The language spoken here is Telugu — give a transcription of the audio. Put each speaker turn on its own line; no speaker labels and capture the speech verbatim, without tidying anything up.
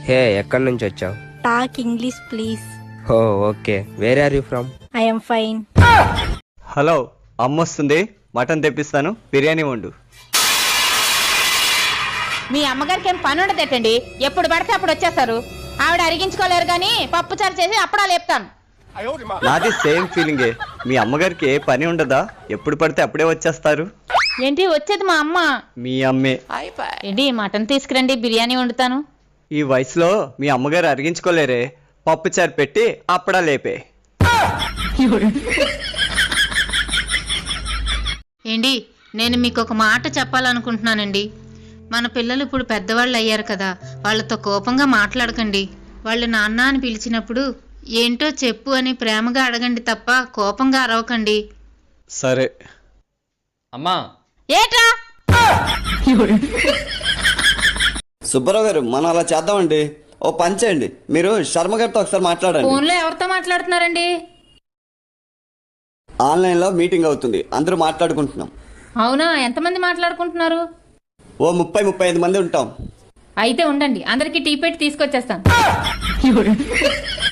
హే, ఎక్కడి నుంచి వచ్చావు?
Talk English please.
Oh okay, where are you from?
I'm fine.
Hello, అమ్మొస్తుంది, మటన్ తెప్పిస్తాను, బిర్యానీ వండు.
మీ అమ్మగారికి ఏం పని ఉండదేటండి, ఎప్పుడు పడితే అప్పుడు వచ్చేస్తారు. ఆవిడ అరిగించుకోలేరు కానీ పప్పు చారు చేసి అప్పుడా లేపుతాను.
నాది సేమ్ ఫీలింగే. మీ అమ్మగారికి ఏ పని ఉండదా? ఎప్పుడు పడితే అప్పుడే వచ్చేస్తారు.
ఏంటి వచ్చేది మా అమ్మ?
మీ అమ్మే.
ఏంటి మటన్ తీసుకురండి, బిర్యానీ వండుతాను.
ఈ వయసులో మీ అమ్మగారు అరిగించుకోలేరే, పప్పు చారు పెట్టి అప్పుడా లేపే.
ఏంటి, నేను మీకు ఒక మాట చెప్పాలనుకుంటున్నానండి. మన పిల్లలు ఇప్పుడు పెద్దవాళ్ళు అయ్యారు కదా, వాళ్ళతో కోపంగా మాట్లాడకండి. వాళ్ళు నాన్న అని పిలిచినప్పుడు ఏంటో చెప్పు అని ప్రేమగా అడగండి తప్ప కోపంగా అరవకండి.
సరే
అమ్మా.
ఏట్రా?
సుబ్బారావు గారు, మనం అలా చేద్దామండి. ఓ పని చేయండి, మీరు శర్మ గారితో ఒకసారి మాట్లాడండి.
ఫోన్లో ఎవరితో మాట్లాడుతున్నారండి?
ఆన్లైన్లో మీటింగ్ అవుతుంది, అందరూ మాట్లాడుకుంటున్నాం.
అవునా, ఎంతమంది మాట్లాడుకుంటున్నారు?
ఓ ముప్పై ముప్పై ఐదు మంది ఉంటాం.
అయితే ఉండండి, అందరికి టీ పెట్టి తీసుకొచ్చేస్తాను.